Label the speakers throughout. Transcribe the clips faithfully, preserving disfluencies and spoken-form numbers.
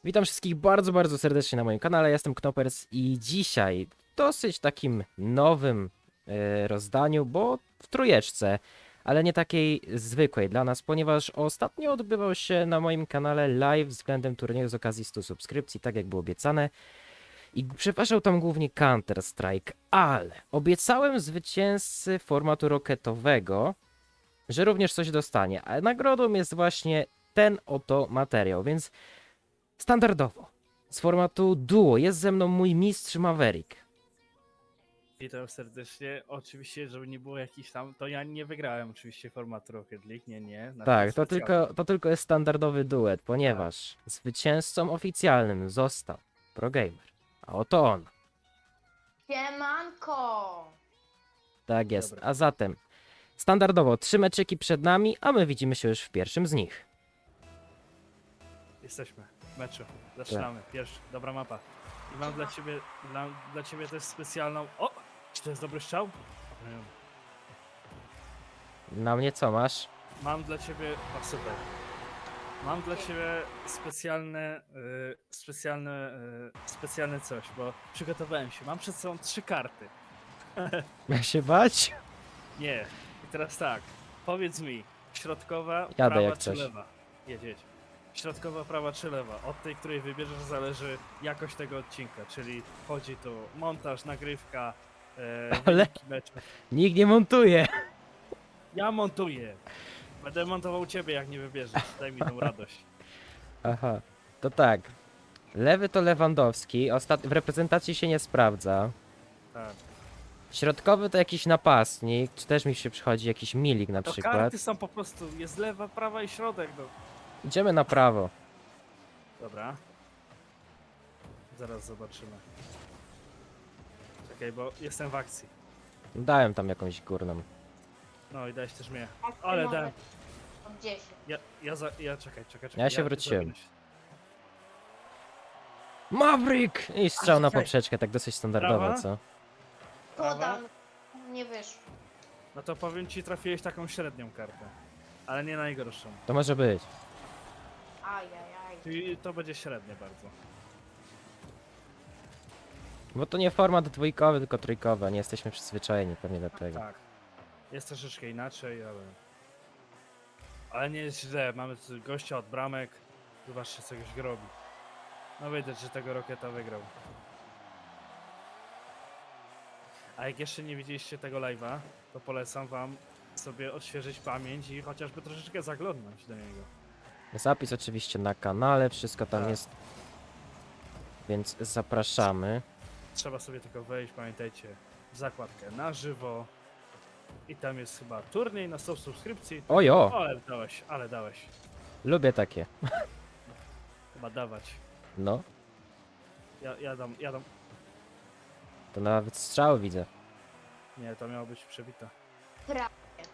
Speaker 1: Witam wszystkich bardzo, bardzo serdecznie na moim kanale. Ja jestem Knopers i dzisiaj w dosyć takim nowym e, rozdaniu, bo w trójeczce, ale nie takiej zwykłej dla nas, ponieważ ostatnio odbywał się na moim kanale live względem turnieju z okazji stu subskrypcji, tak jak było obiecane. I przepraszał tam głównie Counter-Strike, ale obiecałem zwycięzcy formatu roketowego, że również coś dostanie, a nagrodą jest właśnie ten oto materiał, więc standardowo, z formatu duo, jest ze mną mój mistrz Maverick.
Speaker 2: Witam serdecznie. Oczywiście, żeby nie było jakichś tam, to ja nie wygrałem oczywiście formatu Rocket League, nie, nie. Na
Speaker 1: Tak, to
Speaker 2: specjalnie.
Speaker 1: tylko, to tylko jest standardowy duet, ponieważ zwycięzcą oficjalnym został ProGamer. A oto on.
Speaker 3: Siemanko!
Speaker 1: Tak jest.
Speaker 2: Dobra.
Speaker 1: A zatem, standardowo trzy meczyki przed nami, a my widzimy się już w pierwszym z nich.
Speaker 2: Jesteśmy w meczu. Zaczynamy. Pierwszy, dobra mapa. I mam dla ciebie, dla, dla ciebie też specjalną... O! Czy to jest dobry strzał? Nie wiem.
Speaker 1: Na mnie co masz?
Speaker 2: Mam dla ciebie... O, super. Mam dla ciebie specjalne, y, specjalne, y, specjalne coś, bo przygotowałem się. Mam przed sobą trzy karty.
Speaker 1: Ma się bać?
Speaker 2: Nie. I teraz tak. Powiedz mi, środkowa,
Speaker 1: Jadę
Speaker 2: prawa
Speaker 1: jak
Speaker 2: czy
Speaker 1: coś.
Speaker 2: lewa? Jedź, jedź. Środkowa, prawa czy lewa? Od tej, której wybierzesz, zależy jakość tego odcinka, czyli chodzi tu montaż, nagrywka, e,
Speaker 1: Ale-
Speaker 2: wyniki meczu.
Speaker 1: Nikt nie montuje.
Speaker 2: Ja montuję. Będę montował ciebie, jak nie wybierzesz. Daj mi tą radość.
Speaker 1: Aha, to tak. Lewy to Lewandowski, ostat... w reprezentacji się nie sprawdza.
Speaker 2: Tak.
Speaker 1: Środkowy to jakiś napastnik, czy też mi się przychodzi jakiś Milik na
Speaker 2: To
Speaker 1: przykład.
Speaker 2: karty są po prostu, jest lewa, prawa i środek. No.
Speaker 1: Idziemy na prawo.
Speaker 2: Dobra. Zaraz zobaczymy. Czekaj, bo jestem w akcji.
Speaker 1: Dałem tam jakąś górną.
Speaker 2: No i dałeś też mnie.
Speaker 3: Jak ty
Speaker 2: Ale
Speaker 3: możesz
Speaker 2: dałem.
Speaker 3: od dziesięć.
Speaker 2: Ja, ja, za, ja czekaj, czekaj, czekaj.
Speaker 1: Ja się wróciłem.
Speaker 2: zawinę się.
Speaker 1: Maverick! I strzał na
Speaker 2: czekaj.
Speaker 1: poprzeczkę, tak dosyć standardowo,
Speaker 2: Prawa?
Speaker 1: co?
Speaker 2: Prawa?
Speaker 3: Podam. Nie wyszło.
Speaker 2: No to powiem ci, trafiłeś taką średnią kartę. Ale nie najgorszą.
Speaker 1: To może być.
Speaker 3: Ajajaj.
Speaker 2: Czyli to będzie średnie bardzo.
Speaker 1: Bo to nie format dwójkowy, tylko trójkowy, a nie jesteśmy przyzwyczajeni pewnie do tego.
Speaker 2: Tak. Jest troszeczkę inaczej, ale... Ale nie jest źle. Mamy tu gościa od bramek. Zobaczcie, co goś robi. No widać, że tego Roketa wygrał. A jak jeszcze nie widzieliście tego live'a, to polecam wam sobie odświeżyć pamięć i chociażby troszeczkę zaglądnąć do niego.
Speaker 1: Zapis oczywiście na kanale, wszystko tam
Speaker 2: Tak.
Speaker 1: jest. Więc zapraszamy.
Speaker 2: Trzeba sobie tylko wejść, pamiętajcie, w zakładkę na żywo. I tam jest chyba turniej na sto subskrypcji.
Speaker 1: Ojo!
Speaker 2: O, ale dałeś, ale dałeś.
Speaker 1: Lubię takie.
Speaker 2: Chyba dawać.
Speaker 1: No,
Speaker 2: Ja, ja dam, ja dam.
Speaker 1: to nawet strzał widzę.
Speaker 2: Nie, to miało być przebite.
Speaker 3: Prawie.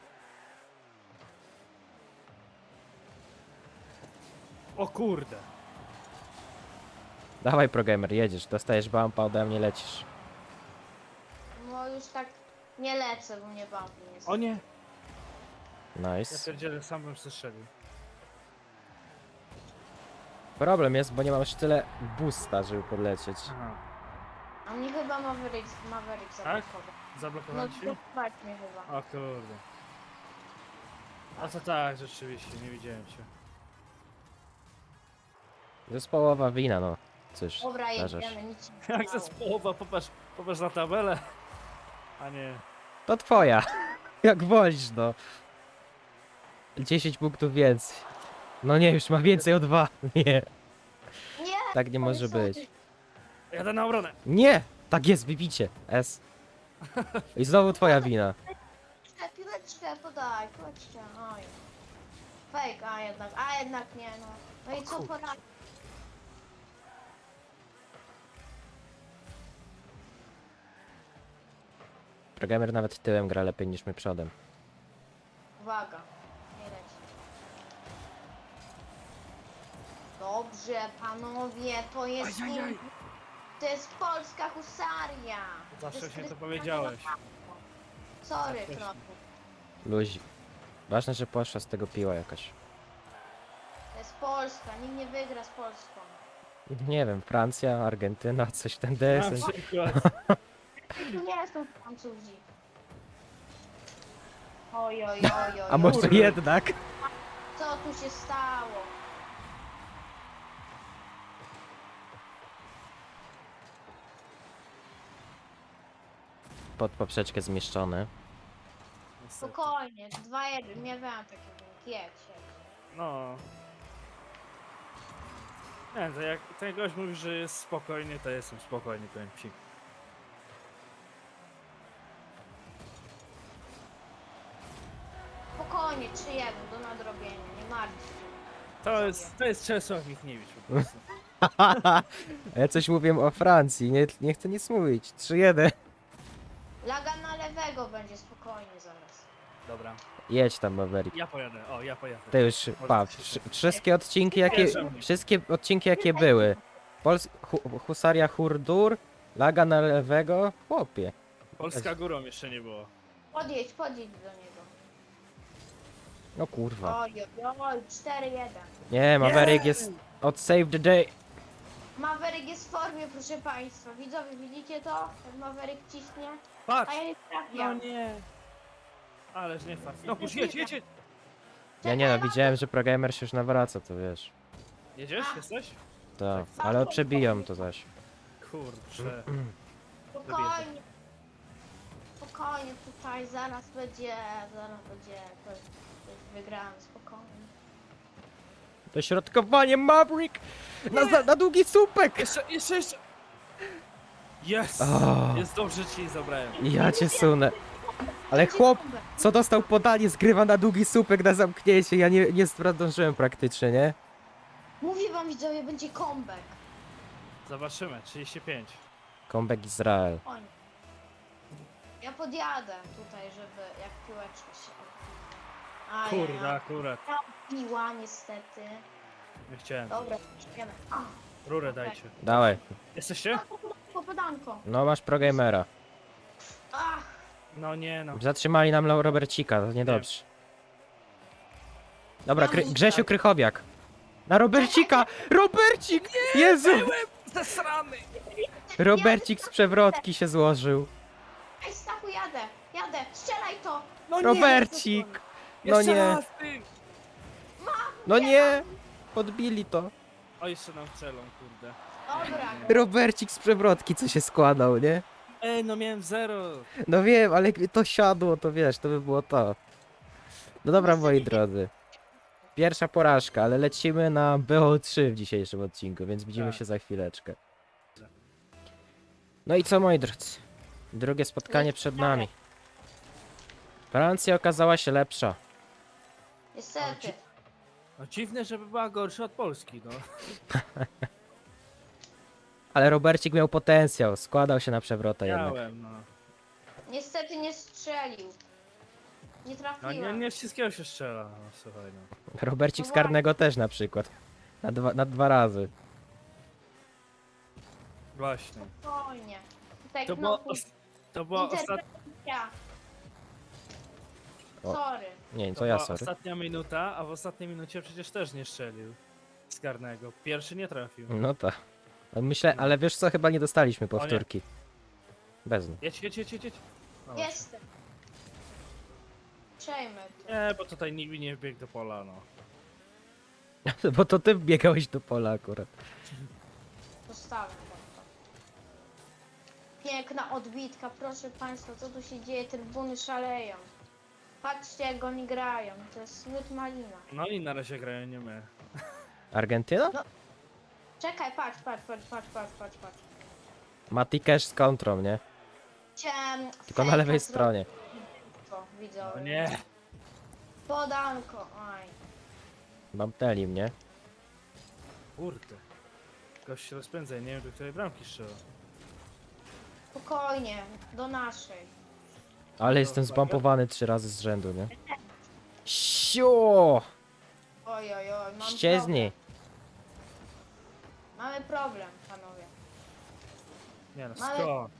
Speaker 2: O kurde!
Speaker 1: Dawaj ProGamer, jedziesz, dostajesz bumpa, ode mnie lecisz.
Speaker 3: No już tak nie lecę, bo mnie bumpy nie
Speaker 2: O nie! Ja
Speaker 1: Nice.
Speaker 2: pierdzielę, sam bym strzelił.
Speaker 1: Problem jest, bo nie mam już tyle boosta, żeby podlecieć.
Speaker 2: Aha.
Speaker 3: A mnie chyba Maverick, Maverick zablokował. No
Speaker 2: Zablokowałem ci?
Speaker 3: zobacz mnie chyba.
Speaker 2: O kurde. A to tak, rzeczywiście, nie widziałem cię.
Speaker 1: Zespołowa wina, no. Cóż,
Speaker 3: Dobra,
Speaker 1: zdarza się.
Speaker 3: jedziemy, nic się nie
Speaker 2: Jak
Speaker 3: stało.
Speaker 2: zespołowa, popatrz, popatrz na tabelę. A nie.
Speaker 1: To twoja. Jak wolisz, no. dziesięć punktów więcej. No nie, już ma więcej o dwa. Nie,
Speaker 3: Nie!
Speaker 1: tak nie może być.
Speaker 2: Jadę na obronę.
Speaker 1: Nie! Tak jest, wybicie. S. I znowu twoja wina.
Speaker 3: Piłeczkę, piłeczkę podaj, piłeczkę, oj. Fake, a jednak, a jednak nie no. No i co
Speaker 2: kurczę.
Speaker 3: pora?
Speaker 1: ProGamer nawet tyłem gra lepiej niż my przodem.
Speaker 3: Uwaga, nie leci. Dobrze, panowie, to jest
Speaker 2: Ajajaj.
Speaker 3: in- to jest polska husaria.
Speaker 2: Zawsze
Speaker 3: jest
Speaker 2: się to
Speaker 3: Krystiano
Speaker 2: powiedziałeś.
Speaker 3: Ronaldo. Sorry,
Speaker 2: Tak,
Speaker 3: Knoku.
Speaker 1: Luzi. Ważne, że poszła z tego piła jakaś.
Speaker 3: To jest Polska, nikt nie wygra z Polską.
Speaker 1: Nie wiem, Francja, Argentyna, coś w ten
Speaker 2: Na
Speaker 1: deseń.
Speaker 2: przykład.
Speaker 3: Tu nie są Francuzi. Oj, oj, oj, oj.
Speaker 1: A może
Speaker 2: Kurde.
Speaker 1: jednak?
Speaker 3: Co tu się stało?
Speaker 1: Pod poprzeczkę zmieszczony.
Speaker 2: Niestety.
Speaker 3: Spokojnie, dwa jeden, nie wiem takiego. Jedź, jedź.
Speaker 2: No. Nie, to jak ten gość mówi, że jest spokojny, to jestem spokojny, powiem ci.
Speaker 3: Spokojnie, trzy jeden do nadrobienia, nie martw się.
Speaker 2: To jest, to jest Czesław Michniewicz po prostu.
Speaker 1: A ja coś mówię o Francji, nie, nie chcę nic mówić. trzy jeden.
Speaker 3: Laga na lewego będzie spokojnie zaraz.
Speaker 2: Dobra,
Speaker 1: Jedź tam, Maverick.
Speaker 2: ja pojadę, o, ja pojadę.
Speaker 1: Ty już, pa,
Speaker 2: się
Speaker 1: wszy- wszystkie odcinki jakie,
Speaker 2: Wierzę.
Speaker 1: wszystkie odcinki jakie były. Pols hu Husaria Hurdur, Laga na lewego, chłopie.
Speaker 2: Polska górą jeszcze nie było.
Speaker 3: Podjedź, podjedź do niego.
Speaker 1: No kurwa.
Speaker 3: Oj, oj, oj, cztery jeden.
Speaker 1: Nie, Maverick jest od save the day.
Speaker 3: Maverick jest w formie, proszę państwa. Widzowie, widzicie to? Jak Maverick ciśnie?
Speaker 2: Patrz!
Speaker 3: A ja nie
Speaker 2: No
Speaker 3: trafiam.
Speaker 2: nie! Ależ nie fakt. No kurz, jedź, jedź, jedź!
Speaker 1: Ja nie no, widziałem, że ProGamer się już nawraca, to wiesz.
Speaker 2: Jedziesz? Jesteś?
Speaker 1: Tak, ale przebiją to zaś.
Speaker 2: Kurczę.
Speaker 3: Spokojnie. Spokojnie tutaj, zaraz będzie, zaraz będzie to jest, to jest wygrany, spokojnie.
Speaker 1: Dośrodkowanie Maverick! Na, za- na długi słupek!
Speaker 2: Jeszcze, jeszcze, jeszcze! Jest!
Speaker 1: O.
Speaker 2: Jest dobrze, ci nie zabrałem.
Speaker 1: Ja cię sunę. Ale chłop, co dostał podanie, zgrywa na długi słupek na zamknięcie. Ja nie, nie zdążyłem praktycznie, nie?
Speaker 3: Mówię wam widzowie, będzie comeback.
Speaker 2: Zobaczymy, trzydzieści pięć.
Speaker 1: Comeback Izrael.
Speaker 3: Oni. Ja podjadę tutaj, żeby jak piłeczka się... Aj,
Speaker 2: Kurde,
Speaker 3: aj,
Speaker 2: akurat.
Speaker 3: aj. Piła niestety.
Speaker 2: Nie chciałem.
Speaker 3: Dobra, idziemy. A,
Speaker 2: Rurę dajcie.
Speaker 1: Dawaj.
Speaker 2: Jesteście?
Speaker 3: popadanko.
Speaker 1: No masz ProGamera.
Speaker 3: Ach,
Speaker 2: No nie no.
Speaker 1: Zatrzymali nam Lau- Robercika, to niedobrze. Dobra, Kry Grzesiu Krychowiak. Na Robercika! Robercik! Jezu!
Speaker 2: Zesrany!
Speaker 1: Robercik z przewrotki się złożył.
Speaker 3: ej Stachu, jadę, jadę, strzelaj to.
Speaker 2: No
Speaker 1: Robercik! No
Speaker 2: Jeszcze
Speaker 1: nie,
Speaker 2: raz, ty!
Speaker 1: no nie! Podbili to.
Speaker 2: O, jeszcze nam strzelą, kurde.
Speaker 3: Dobra,
Speaker 1: Robercik z przewrotki, co się składał, nie?
Speaker 2: Ej, no miałem zero.
Speaker 1: No wiem, ale jakby to siadło, to wiesz, to by było to. No dobra, moi drodzy. Pierwsza porażka, ale lecimy na B O trzy w dzisiejszym odcinku, więc widzimy
Speaker 2: Tak.
Speaker 1: się za chwileczkę. No i co, moi drodzy? Drugie spotkanie przed nami. Francja okazała się lepsza.
Speaker 3: niestety.
Speaker 2: No dziwne, żeby była gorsza od Polski, no.
Speaker 1: Ale Robercik miał potencjał, składał się na przewrotę jednak.
Speaker 2: Miałem, no.
Speaker 3: Niestety nie strzelił. Nie
Speaker 2: No
Speaker 3: trafiłem.
Speaker 2: nie, nie wszystkiego się strzela, no słuchaj, no.
Speaker 1: Robercik z karnego też na przykład. Na dwa, na dwa razy.
Speaker 2: Właśnie.
Speaker 3: Spokojnie. Tutaj
Speaker 2: To było,
Speaker 3: knopu,
Speaker 2: os to była, ostat
Speaker 3: interwencja.
Speaker 1: O.
Speaker 3: Sorry.
Speaker 1: Nie,
Speaker 2: to
Speaker 1: to ja
Speaker 2: była
Speaker 1: sorry.
Speaker 2: ostatnia minuta, a w ostatniej minucie przecież też nie strzelił. Z karnego. Pierwszy nie trafił.
Speaker 1: No tak. Ale Myślę, ale wiesz co, chyba nie dostaliśmy
Speaker 2: O nie.
Speaker 1: powtórki. Bez nich.
Speaker 2: Jedź, jedź, jedź, jedź. jedź. No właśnie.
Speaker 3: Jestem. Przejmę to.
Speaker 2: Nie, bo tutaj nikt nie wbiegł do pola, no.
Speaker 1: Bo to ty biegałeś do pola akurat.
Speaker 3: Zostawiam wam to. Piękna odbitka, proszę państwa, co tu się dzieje? Trybuny szaleją. Patrzcie jak oni grają, to jest smut malina.
Speaker 2: No i na razie grają nie my.
Speaker 1: Argentyna?
Speaker 3: Czekaj, patrz, patrz, patrz, patrz, patrz, patrz, patrz.
Speaker 1: Mati Cash z kontrą, nie?
Speaker 3: Chciałem
Speaker 1: Tylko na
Speaker 3: fejka
Speaker 1: lewej
Speaker 3: zrobić.
Speaker 1: stronie.
Speaker 3: To, widzę.
Speaker 2: No nie.
Speaker 3: Podanko, aj.
Speaker 1: Bamteli mnie.
Speaker 2: Kurde. Gość się rozpędza, ja nie wiem do której bramki strzela.
Speaker 3: Spokojnie, do naszej.
Speaker 1: Ale jestem zbampowany trzy razy z rzędu, nie? Siu!
Speaker 3: Oj, oj, oj, mam
Speaker 1: Ścieźni!
Speaker 3: problem. Mamy problem, panowie.
Speaker 2: Nie no,
Speaker 3: Ale-
Speaker 2: skąd?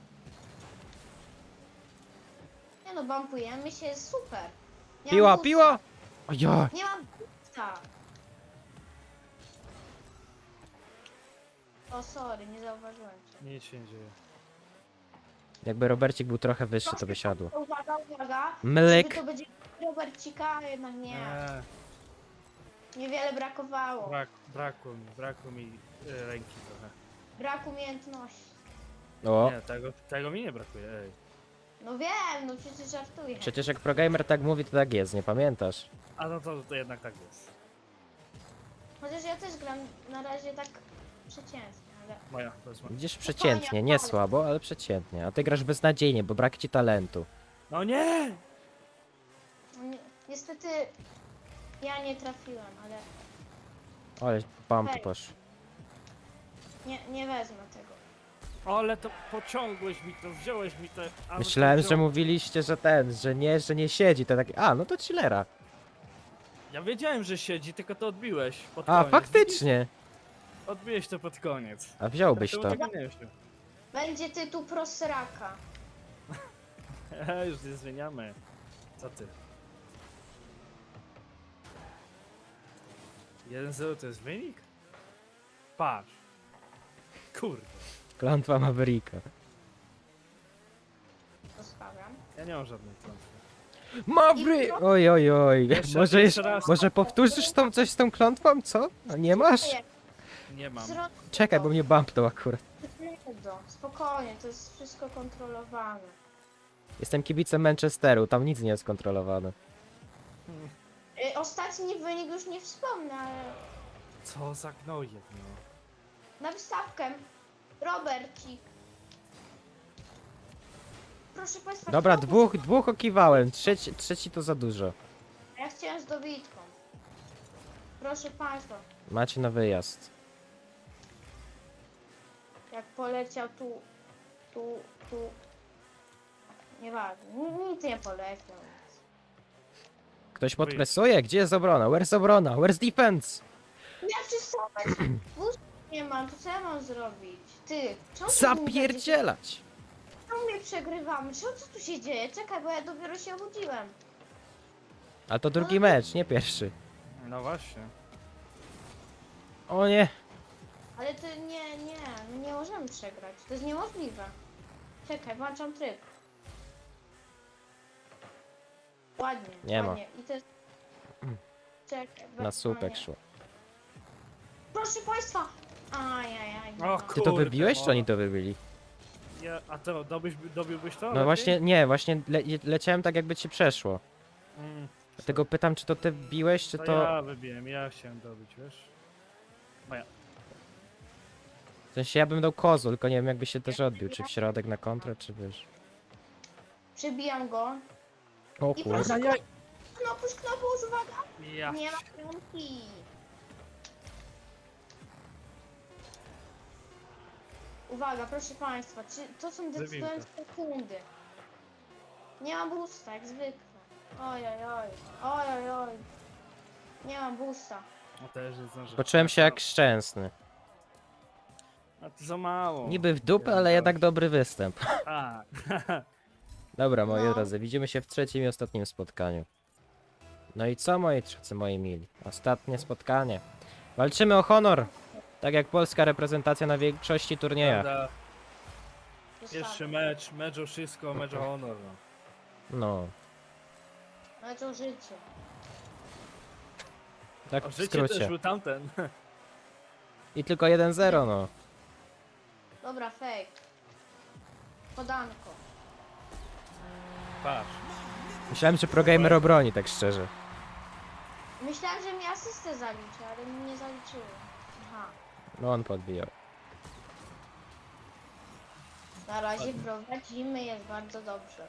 Speaker 3: Nie no, bampujemy się, super. Nie mam
Speaker 1: Piła,
Speaker 3: boosta.
Speaker 1: piła! Ojoj!
Speaker 3: Nie mam boosta. O, sorry, nie zauważyłem cię.
Speaker 2: Nic się nie dzieje.
Speaker 1: Jakby Robercik był trochę wyższy, to by siadło.
Speaker 3: Uwaga, uwaga.
Speaker 1: Mlek.
Speaker 3: Czyby to będzie Robercika, a jednak nie.
Speaker 2: Nie,
Speaker 3: Niewiele brakowało.
Speaker 2: brak, brakło mi, brakło mi y, ręki trochę.
Speaker 3: Brak umiejętności.
Speaker 1: O,
Speaker 2: Nie, tego, tego mi nie brakuje, ej.
Speaker 3: No wiem, no przecież żartuję.
Speaker 1: przecież jak progamer tak mówi, to tak jest, nie pamiętasz?
Speaker 2: A no to, to jednak tak jest.
Speaker 3: Chociaż ja też gram na razie tak przeciętnie, ale...
Speaker 2: Moja, to jest moja.
Speaker 1: Widzisz, przeciętnie, nie słabo, ale przeciętnie. A ty grasz beznadziejnie, bo brak ci talentu.
Speaker 2: No nie!
Speaker 3: No ni- niestety ja nie trafiłem, ale
Speaker 1: Ale bam tu
Speaker 3: Ej.
Speaker 1: poszło.
Speaker 3: nie, nie wezmę tego.
Speaker 2: Ale to pociągłeś mi to, wziąłeś mi to. a no
Speaker 1: Myślałem,
Speaker 2: to
Speaker 1: że
Speaker 2: wziął-
Speaker 1: mówiliście, że ten, że nie, że nie siedzi, to taki, a, no to chillera.
Speaker 2: Ja wiedziałem, że siedzi, tylko to odbiłeś pod
Speaker 1: A,
Speaker 2: koniec.
Speaker 1: faktycznie.
Speaker 2: Widzisz? Odbiłeś to pod koniec.
Speaker 1: A wziąłbyś
Speaker 2: Czemu
Speaker 1: to.
Speaker 2: tego nie wziął?
Speaker 3: Będzie tytuł Prosraka.
Speaker 2: Ehe, już nie zmieniamy. Co ty? jeden zero to jest wynik? Patrz. Kurde.
Speaker 1: Klątwa Mavericka.
Speaker 3: Zostawiam.
Speaker 2: Ja nie mam żadnej klątwy.
Speaker 1: Mavry! Oj, oj, oj.
Speaker 2: Jeszcze-
Speaker 1: Może,
Speaker 2: jeszcze
Speaker 1: jeszcze,
Speaker 2: raz.
Speaker 1: może powtórzysz tą, coś z tą klątwą, co? A nie masz?
Speaker 2: Nie mam.
Speaker 3: Zrobię
Speaker 1: Czekaj, bo mnie bumpnął akurat.
Speaker 3: to. Spokojnie, to jest wszystko kontrolowane.
Speaker 1: Jestem kibicem Manchesteru, tam nic nie jest kontrolowane.
Speaker 3: Y, Ostatni wynik już nie wspomnę, ale
Speaker 2: Co za gnojek, no.
Speaker 3: na wystawkę. Robercik. Proszę Państwa.
Speaker 1: Dobra,
Speaker 3: kto-
Speaker 1: dwóch, dwóch okiwałem, trzeci, trzeci to za dużo.
Speaker 3: Ja chciałem z dobitką. Proszę Państwa,
Speaker 1: Macie na wyjazd.
Speaker 3: jak poleciał tu, tu, tu. Nieważne, Ni- nic nie poleciał.
Speaker 1: Ktoś podpresuje? Gdzie jest obrona? Where's obrona? Where's defense?
Speaker 3: Ja przystować. Wóz nie mam, to co ja mam zrobić? Ty, czemu ty mi
Speaker 1: Zapierdzielać!
Speaker 3: Czemu mnie przegrywamy? Co, co tu się dzieje? Czekaj, bo ja dopiero się obudziłem.
Speaker 1: A to drugi mecz, nie pierwszy.
Speaker 2: No właśnie.
Speaker 1: O nie!
Speaker 3: Ale to nie, nie, my nie możemy przegrać. To jest niemożliwe. Czekaj, włączam tryb. Ładnie,
Speaker 1: Nie ma.
Speaker 3: ładnie. I to jest... Czekaj,
Speaker 1: Na
Speaker 3: we-
Speaker 1: słupek
Speaker 3: nie.
Speaker 1: szło.
Speaker 3: Proszę Państwa! Ajajaj.
Speaker 2: O,
Speaker 3: no.
Speaker 1: Ty to
Speaker 2: Kurde,
Speaker 1: wybiłeś, czy
Speaker 2: o.
Speaker 1: oni to wybili?
Speaker 2: Ja, a to dobyś, dobiłbyś to?
Speaker 1: No
Speaker 2: lepiej?
Speaker 1: właśnie, nie, właśnie le leciałem tak jakby ci przeszło.
Speaker 2: Mm,
Speaker 1: Dlatego pytam, czy to ty wbiłeś, czy
Speaker 2: to,
Speaker 1: to...
Speaker 2: ja wybiłem, ja chciałem dobić, wiesz? Moja.
Speaker 1: W sensie ja bym dał kozu, tylko nie wiem jakby się też odbił, czy w środek na kontrę, czy wiesz.
Speaker 3: Przebijam go.
Speaker 1: O
Speaker 3: I
Speaker 1: kurde.
Speaker 3: proszę, knopuś, knopuś, uwaga!
Speaker 2: Ja.
Speaker 3: Nie ma piątki. Uwaga, proszę Państwa, czy to są decydujące sekundy. Nie mam boosta, jak zwykle. Oj, oj, oj, oj, oj, oj. Nie mam boosta.
Speaker 2: No też nie zdążę.
Speaker 1: Poczułem się jak szczęsny.
Speaker 2: A to za mało.
Speaker 1: Niby w dupę, ale jednak dobry występ.
Speaker 2: A.
Speaker 1: Dobra, moi
Speaker 3: No.
Speaker 1: drodzy, widzimy się w trzecim i ostatnim spotkaniu. No i co, moi drodzy, moi mili? Ostatnie spotkanie. Walczymy o honor! Tak jak polska reprezentacja na większości turniejach.
Speaker 2: Prawda,
Speaker 3: Zostawiam.
Speaker 2: pierwszy mecz, mecz o wszystko, mecz o honor. No.
Speaker 1: No,
Speaker 3: Mecz o życie.
Speaker 1: tak
Speaker 2: O
Speaker 1: w
Speaker 2: życie też
Speaker 1: skrócie.
Speaker 2: był tamten.
Speaker 1: I tylko jeden zero, no.
Speaker 3: Dobra, fake. Podanko.
Speaker 2: Patrz.
Speaker 1: Myślałem, że progamer obroni, tak szczerze.
Speaker 3: Myślałem, że mi asystę zaliczy, ale mi nie zaliczyło. Aha.
Speaker 1: No on podbijał.
Speaker 3: Na razie prowadzimy, jest bardzo dobrze.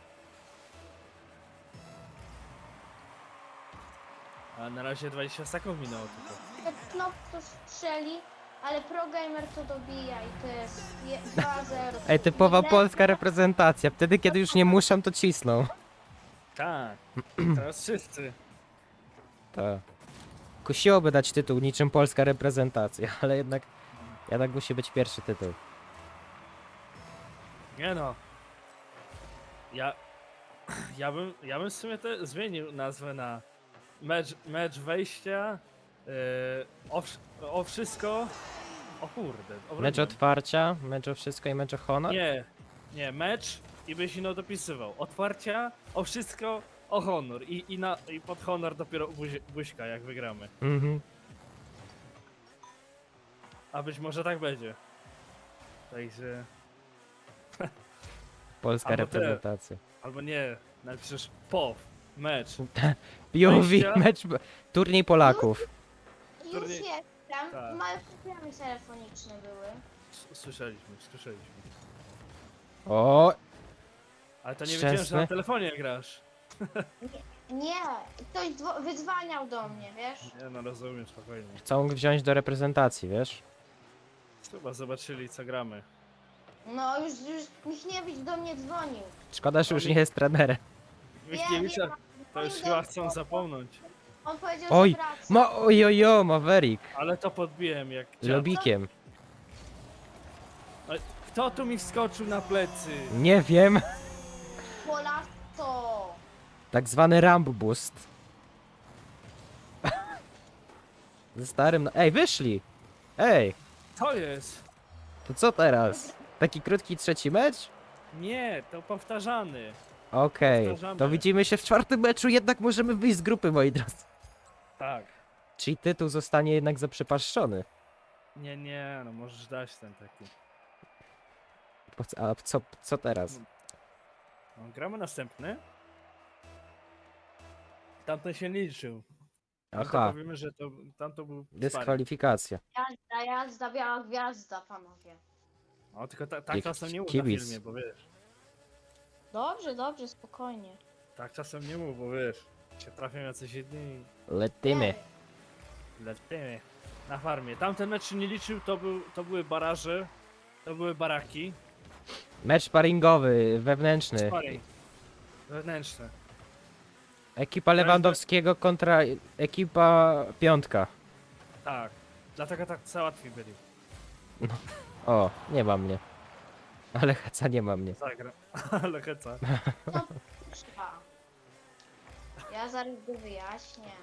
Speaker 2: A na razie dwadzieścia sekund minęło tylko.
Speaker 3: Knop to strzeli, ale ProGamer to dobija i to jest je- dwa zero.
Speaker 1: Ej, typowa
Speaker 3: Najlepsza-
Speaker 1: polska reprezentacja. Wtedy, kiedy już nie muszą, to cisną.
Speaker 2: Tak. Teraz wszyscy.
Speaker 1: Tak. Kusiłoby dać tytuł niczym polska reprezentacja, ale jednak... Jednak musi być pierwszy tytuł.
Speaker 2: Nie no. Ja. Ja bym, ja bym w sumie te zmienił nazwę na mecz, mecz wejścia. Yy, o, wsz- o wszystko. O kurde,
Speaker 1: Mecz
Speaker 2: obroniłem.
Speaker 1: otwarcia, mecz o wszystko i mecz o honor?
Speaker 2: Nie, nie, mecz i byś ino dopisywał. Otwarcia, o wszystko, o honor. I, i, na, i pod honor dopiero buzi, buźka, jak wygramy.
Speaker 1: Mhm.
Speaker 2: A być może tak będzie. Także...
Speaker 1: Polska
Speaker 2: Albo te.
Speaker 1: reprezentacja.
Speaker 2: Albo nie, napiszesz pow, mecz.
Speaker 1: P O V,
Speaker 2: Wejścia.
Speaker 1: mecz, turniej Polaków.
Speaker 3: Już
Speaker 2: Turniej-
Speaker 3: jestem.
Speaker 2: Tak.
Speaker 3: Małe problemy telefoniczne były.
Speaker 2: S- Słyszeliśmy, słyszeliśmy.
Speaker 1: O,
Speaker 2: Ale to nie wiedziałem, że
Speaker 1: Szczęsny.
Speaker 2: na telefonie grasz.
Speaker 3: Nie, ktoś dzwo- wydzwaniał do mnie, wiesz?
Speaker 2: Nie no, rozumiem, spokojnie.
Speaker 1: chcą wziąć do reprezentacji, wiesz?
Speaker 2: Chyba zobaczyli, co gramy.
Speaker 3: No już, już Michniewicz do mnie dzwonił.
Speaker 1: Szkoda, że już
Speaker 2: Oni-
Speaker 1: nie jest trenerem.
Speaker 2: Michniewicza
Speaker 3: wiem,
Speaker 2: to już
Speaker 3: dzwonił
Speaker 2: chyba
Speaker 3: do-
Speaker 2: chcą zapomnieć.
Speaker 3: On powiedział,
Speaker 1: Oj,
Speaker 3: że wraca.
Speaker 1: Ma, ojojo, Maverick.
Speaker 2: Ale to podbiłem jak dziad.
Speaker 1: Lobikiem.
Speaker 2: Ale kto tu mi wskoczył na plecy?
Speaker 1: Nie wiem.
Speaker 3: Polasto!
Speaker 1: Tak zwany Ramb Boost. Ze starym... no- Ej, wyszli! Ej,
Speaker 2: Co jest?
Speaker 1: to co teraz? Taki krótki trzeci mecz?
Speaker 2: Nie, to powtarzany.
Speaker 1: Okej,
Speaker 2: Powtarzamy.
Speaker 1: to widzimy się w czwartym meczu, jednak możemy wyjść z grupy, moi drodzy.
Speaker 2: Tak.
Speaker 1: Czyli tytuł zostanie jednak zaprzepaszczony.
Speaker 2: Nie, nie, no możesz dać ten taki.
Speaker 1: Po co- A co, co teraz?
Speaker 2: No, gramy następny. Tamten się nie liczył. Tamto
Speaker 1: Aha,
Speaker 2: Powiemy, że to, tamto był sparring.
Speaker 1: dyskwalifikacja.
Speaker 3: Jazda, jazda, biała gwiazda, panowie.
Speaker 2: O, tylko ta, tak
Speaker 1: Jak
Speaker 2: czasem nie mów na
Speaker 1: kibic.
Speaker 2: filmie, bo wiesz.
Speaker 3: Dobrze, dobrze, spokojnie.
Speaker 2: Tak czasem nie mów, bo wiesz. Się trafią jacyś jedni
Speaker 1: Lecimy.
Speaker 3: Nie,
Speaker 2: lecimy na farmie. Tamten mecz się nie liczył, to, był, to były baraże, to były baraki.
Speaker 1: Mecz sparingowy, wewnętrzny.
Speaker 2: Sparring. Wewnętrzne.
Speaker 1: Ekipa Lewandowskiego kontra ekipa piątka.
Speaker 2: Tak. Dlatego tak załatwi byli.
Speaker 1: O, nie ma mnie. Ale Heca nie ma mnie.
Speaker 2: Zagra. Ale heca.
Speaker 3: No, trzeba. Ja zaraz go wyjaśnię.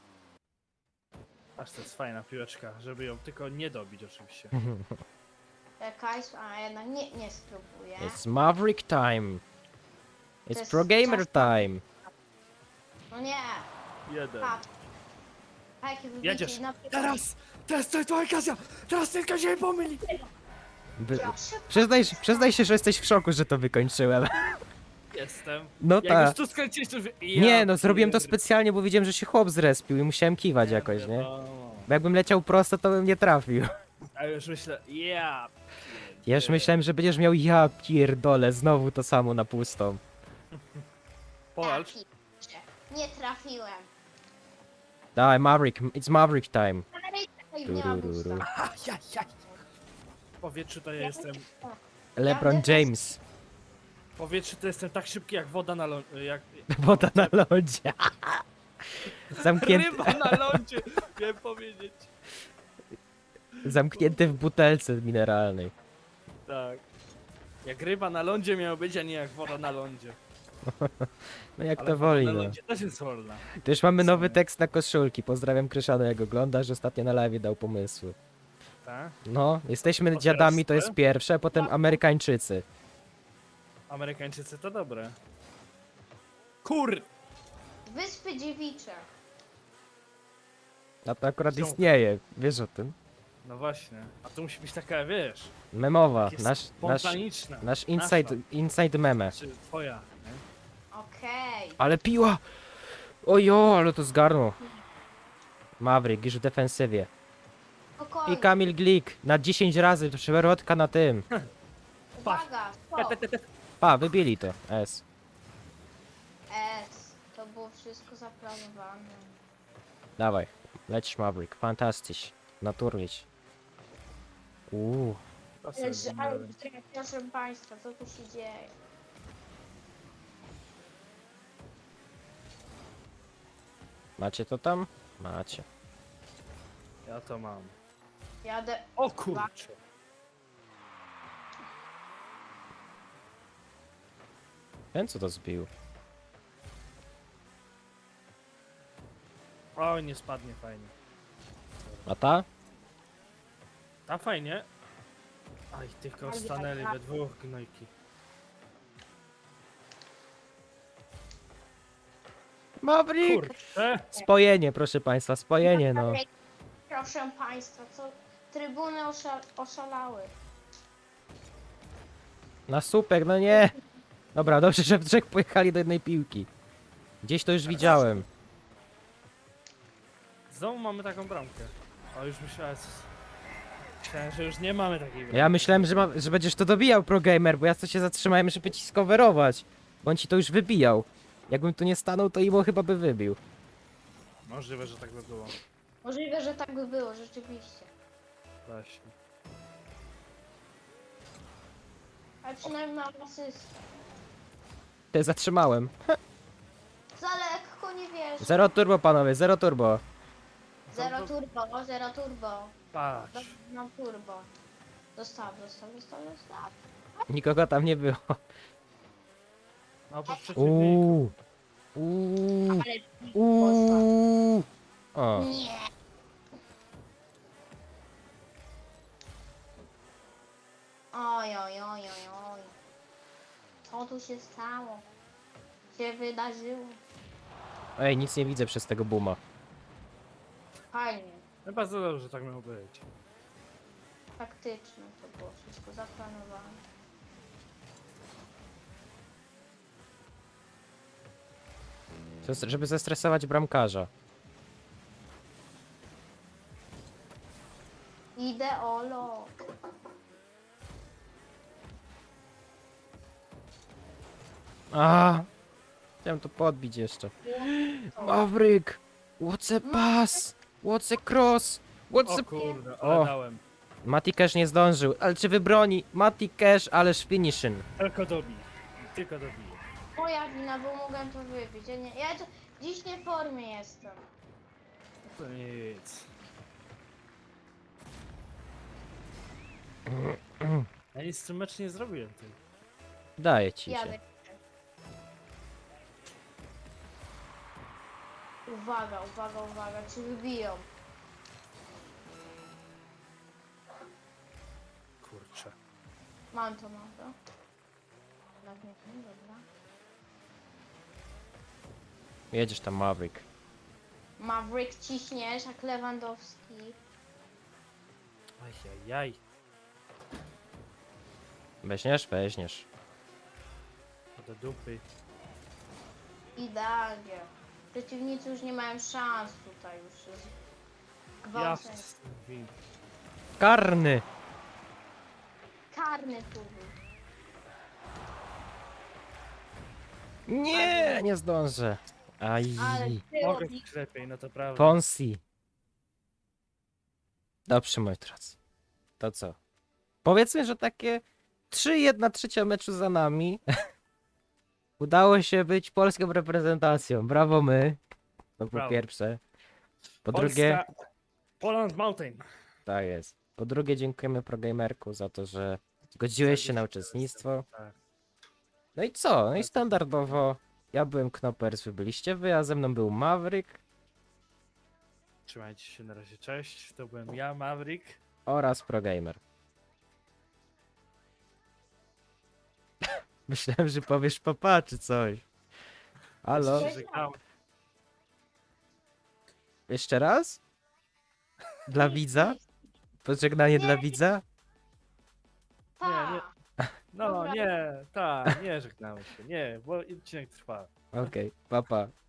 Speaker 2: Aż to jest fajna piłeczka, żeby ją tylko nie dobić oczywiście.
Speaker 3: Czekaj, a jednak nie, nie spróbuję.
Speaker 1: It's Maverick time. It's
Speaker 3: jest
Speaker 1: Pro Gamer
Speaker 3: czas-
Speaker 1: time.
Speaker 3: No nie,
Speaker 2: Jeden.
Speaker 3: patrz. A jakie wybicie
Speaker 2: Jedziesz.
Speaker 3: na
Speaker 2: Teraz! Teraz to jest twoja okazja! Teraz tylko się pomyli!
Speaker 1: By...
Speaker 3: Proszę,
Speaker 1: Przyznaj, się- przyznaj się, że jesteś w szoku, że to wykończyłem.
Speaker 2: Jestem.
Speaker 1: No
Speaker 2: Jak
Speaker 1: tak.
Speaker 2: już tu skręciłeś, to już... Ja
Speaker 1: Nie, no zrobiłem to
Speaker 2: pierd-
Speaker 1: specjalnie, bo widziałem, że się chłop zrespił i musiałem kiwać jakoś, nie?
Speaker 2: wiadomo.
Speaker 1: Bo jakbym leciał prosto, to bym nie trafił.
Speaker 2: A już myślę, ja.
Speaker 1: Ja już myślałem, że będziesz miał ja pierdolę, znowu to samo na pustą.
Speaker 2: Powalcz.
Speaker 3: traficie. Nie trafiłem.
Speaker 1: Dawaj, Maverick, it's Maverick time.
Speaker 3: Ej, nie ma
Speaker 1: Turururu.
Speaker 3: busta.
Speaker 2: W powietrzu to ja jestem.
Speaker 1: LeBron James.
Speaker 2: W powietrzu to jestem tak szybki jak woda na lądzie. Jak...
Speaker 1: Woda na lodzie. Zamknięty,
Speaker 2: Ryba na lądzie! Miałem powiedzieć.
Speaker 1: zamknięty w butelce mineralnej.
Speaker 2: Tak. Jak ryba na lądzie miało być, a nie jak woda na lądzie.
Speaker 1: No jak
Speaker 2: Ale
Speaker 1: to
Speaker 2: woda
Speaker 1: woli,
Speaker 2: na
Speaker 1: no.
Speaker 2: lądzie też jest wolna.
Speaker 1: To już mamy nowy
Speaker 2: Co?
Speaker 1: tekst na koszulki. Pozdrawiam Kryszana, jak oglądasz. Ostatnio na live dał pomysły.
Speaker 2: Tak?
Speaker 1: No, jesteśmy
Speaker 2: teraz
Speaker 1: dziadami, to
Speaker 2: ty?
Speaker 1: jest pierwsze, a potem Amerykańczycy.
Speaker 2: Amerykańczycy to dobre. Kur!
Speaker 3: Wyspy Dziewicze.
Speaker 1: A to akurat
Speaker 2: Są.
Speaker 1: istnieje, wiesz o tym?
Speaker 2: No właśnie. A to musi być taka, wiesz,
Speaker 1: Memowa,
Speaker 2: takie
Speaker 1: nasz, nasz,
Speaker 2: spontaniczna.
Speaker 1: nasz inside, inside meme.
Speaker 2: Czy twoja, nie?
Speaker 3: Okej.
Speaker 1: Ale piła! Ojo, ale to zgarnął. Maverick już w defensywie.
Speaker 3: Spokojnie.
Speaker 1: I Kamil Glik na dziesięć razy przewrotka na tym.
Speaker 3: Uwaga, stop.
Speaker 1: Pa, wybili to. S.
Speaker 3: S. To było wszystko zaplanowane.
Speaker 1: Dawaj, lecisz Maverick, fantastycznie. Naturlić. Uuu,
Speaker 2: To sobie
Speaker 3: Ale, ale
Speaker 2: zmieniłem.
Speaker 3: proszę państwa, co tu się dzieje?
Speaker 1: macie to tam? Macie.
Speaker 2: Ja to mam.
Speaker 3: Jadę.
Speaker 2: O kurczę.
Speaker 1: Ten co to zbił?
Speaker 2: Oj, nie spadnie fajnie.
Speaker 1: A ta?
Speaker 2: A fajnie. Aj, tylko
Speaker 3: Aj, aj,
Speaker 2: stanęli
Speaker 3: aj.
Speaker 2: we dwóch gnojki.
Speaker 1: Maverick!
Speaker 2: Kurczę!
Speaker 1: Spojenie, proszę państwa, spojenie, no.
Speaker 3: Proszę państwa, co? Trybuny osza oszalały.
Speaker 1: Na słupek, no nie. Dobra, dobrze, że w trzech pojechali do jednej piłki. Gdzieś to już widziałem.
Speaker 2: Znowu mamy taką bramkę. O, już myślałem... Myślałem, że już nie mamy takiej bramki.
Speaker 1: Ja myślałem, że, ma, że będziesz to dobijał, ProGamer, bo ja co się zatrzymałem, żeby ci skowerować. Bo on ci to już wybijał. Jakbym tu nie stanął, to Imo chyba by wybił.
Speaker 2: Możliwe, że tak by było.
Speaker 3: Możliwe, że tak by było, rzeczywiście.
Speaker 2: Właśnie.
Speaker 3: Ale przynajmniej mam asystę.
Speaker 1: Ty zatrzymałem.
Speaker 3: Za lekko, nie wiesz.
Speaker 1: Zero turbo, panowie, zero turbo.
Speaker 3: Zero turbo, zero turbo.
Speaker 2: Patrz.
Speaker 3: Dobra, mam turbo. Dostaw, dostaw, dostaw, dostaw.
Speaker 1: Nikogo tam nie było.
Speaker 2: No, po przeciwniku.
Speaker 1: Uuu. Uuu.
Speaker 3: Ale
Speaker 1: Uuu. O.
Speaker 3: nie. Oj, oj, oj, oj, oj. Co tu się stało? Się wydarzyło?
Speaker 1: Ej, nic nie widzę przez tego booma.
Speaker 3: Fajnie.
Speaker 2: No bardzo dobrze, że tak miało być.
Speaker 3: Faktyczne to było wszystko zaplanowane.
Speaker 1: To, żeby zestresować bramkarza.
Speaker 3: Ideolo.
Speaker 1: A, chciałem to podbić jeszcze. Maverick! What's a pass? What's a cross? What's
Speaker 2: O
Speaker 1: a...
Speaker 2: kurde, ale
Speaker 1: O.
Speaker 2: dałem.
Speaker 1: Mati Cash nie zdążył, ale czy wybroni? Mati Cash, ależ finishing.
Speaker 2: Tylko dobij. Tylko dobij.
Speaker 3: Moja wina, bo mogłem to wybić. Ja, nie, ja to, dziś nie w formie jestem.
Speaker 2: To nic. Ja nic z tym mecz nie zrobiłem, ty.
Speaker 1: Daję ci
Speaker 3: Jadę.
Speaker 1: się.
Speaker 3: Uwaga, uwaga, uwaga, czy wybiją?
Speaker 2: Kurczę.
Speaker 3: Mam to, mam to. Tak, nie, nie, dobra.
Speaker 1: Jedziesz tam, Maverick.
Speaker 3: Maverick ciśniesz, jak Lewandowski.
Speaker 2: Ajajaj.
Speaker 1: Weźmiesz? Weźmiesz.
Speaker 2: Do dupy.
Speaker 3: Idealnie. Przeciwnicy już nie mają szans tutaj już. Jest
Speaker 2: Ja
Speaker 3: gwałcenie.
Speaker 2: z tym win.
Speaker 1: Karny!
Speaker 3: Karny tu był.
Speaker 1: Nie, nie zdążę. Aj.
Speaker 3: Ale
Speaker 2: Mogę
Speaker 3: było
Speaker 2: być lepiej, no to prawda.
Speaker 1: Ponsi. Dobrze, moi drodzy. To co? Powiedzmy, że takie trzy jedna trzecia meczu za nami. Udało się być polską reprezentacją. Brawo my. To po
Speaker 2: Brawo.
Speaker 1: pierwsze. Po
Speaker 2: Polska-
Speaker 1: drugie,
Speaker 2: Poland Mountain.
Speaker 1: tak jest. Po drugie, dziękujemy ProGamerku za to, że zgodziłeś się na uczestnictwo.
Speaker 2: Tak.
Speaker 1: No i co? No i standardowo ja byłem Knopers, wy byliście wy, a ze mną był Maverick
Speaker 2: Trzymajcie się na razie, cześć. To byłem ja, Maverick.
Speaker 1: oraz ProGamer. Myślałem, że powiesz papa czy coś. Halo?
Speaker 2: Się żegnam.
Speaker 1: Jeszcze raz? Dla widza? Pożegnanie dla widza?
Speaker 3: Pa!
Speaker 2: Nie, nie. No
Speaker 3: Dobra.
Speaker 2: nie, tak, nie żegnamy się, nie, bo odcinek trwa.
Speaker 1: Okej, papa.